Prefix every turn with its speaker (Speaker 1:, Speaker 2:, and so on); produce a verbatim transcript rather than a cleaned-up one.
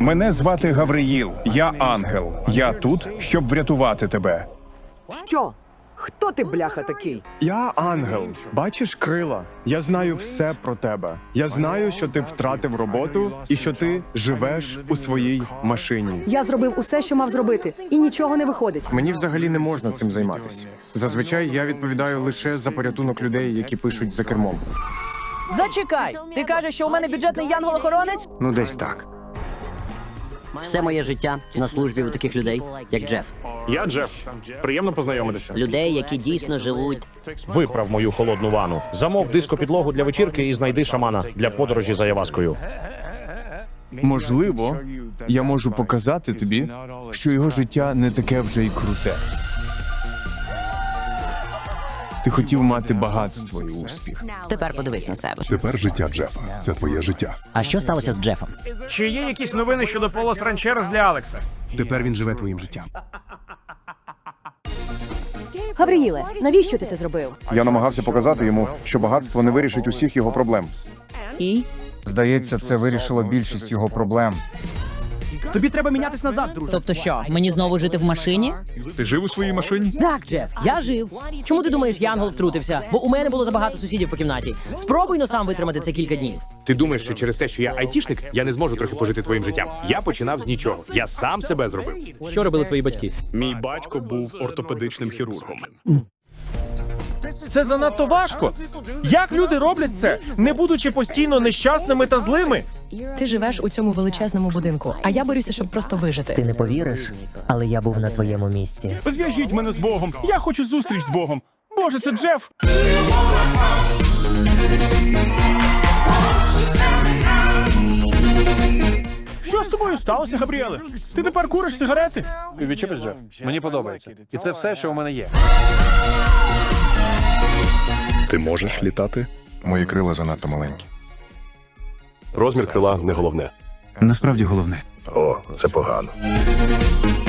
Speaker 1: Мене звати Гавриїл. Я ангел. Я тут, щоб врятувати тебе.
Speaker 2: Що? Хто ти, бляха, такий?
Speaker 3: Я ангел. Бачиш крила? Я знаю все про тебе. Я знаю, що ти втратив роботу і що ти живеш у своїй машині.
Speaker 4: Я зробив усе, що мав зробити, і нічого не виходить.
Speaker 3: Мені взагалі не можна цим займатися. Зазвичай я відповідаю лише за порятунок людей, які пишуть за кермом.
Speaker 5: Зачекай! Ти кажеш, що у мене бюджетний янгол-охоронець?
Speaker 6: Ну, десь так.
Speaker 7: Все моє життя на службі у таких людей, як Джеф.
Speaker 8: Я Джеф. Приємно познайомитися.
Speaker 7: Людей, які дійсно живуть.
Speaker 8: Виправ мою холодну ванну. Замов диско-підлогу для вечірки і знайди шамана для подорожі за Яваскою.
Speaker 9: Можливо, я можу показати тобі, що його життя не таке вже й круте. Ти хотів мати багатство і успіх.
Speaker 5: Тепер подивись на себе.
Speaker 10: Тепер життя Джефа. Це твоє життя.
Speaker 7: А що сталося з Джефом?
Speaker 11: Чи є якісь новини щодо Полос Ранчерес для Алекса?
Speaker 6: Тепер він живе твоїм життям.
Speaker 4: Гавриїле, навіщо ти це зробив?
Speaker 10: Я намагався показати йому, що багатство не вирішить усіх його проблем.
Speaker 5: І?
Speaker 6: Здається, це вирішило більшість його проблем.
Speaker 11: Тобі треба мінятись назад, друже.
Speaker 5: Тобто що, мені знову жити в машині?
Speaker 1: Ти жив у своїй машині?
Speaker 5: Так, Джеф, я жив. Чому ти думаєш, Янгол втрутився? Бо у мене було забагато сусідів по кімнаті. Спробуй но сам витримати це кілька днів.
Speaker 8: Ти думаєш, що через те, що я айтішник, я не зможу трохи пожити твоїм життям? Я починав з нічого. Я сам себе зробив.
Speaker 5: Що робили твої батьки?
Speaker 8: Мій батько був ортопедичним хірургом.
Speaker 11: Це занадто важко. Як люди роблять це, не будучи постійно нещасними та злими?
Speaker 12: Ти живеш у цьому величезному будинку, а я борюся, щоб просто вижити.
Speaker 7: Ти не повіриш, але я був на твоєму місці.
Speaker 11: Зв'яжіть мене з Богом. Я хочу зустріч з Богом. Боже, це Джеф. Що з тобою сталося, Габріеле? Ти тепер куриш сигарети?
Speaker 13: Відчепись, Джеф. Мені подобається. І це все, що у мене є.
Speaker 10: Ти можеш літати? Мої крила занадто маленькі.
Speaker 8: Розмір крила не головне.
Speaker 6: Насправді головне.
Speaker 10: О, це погано.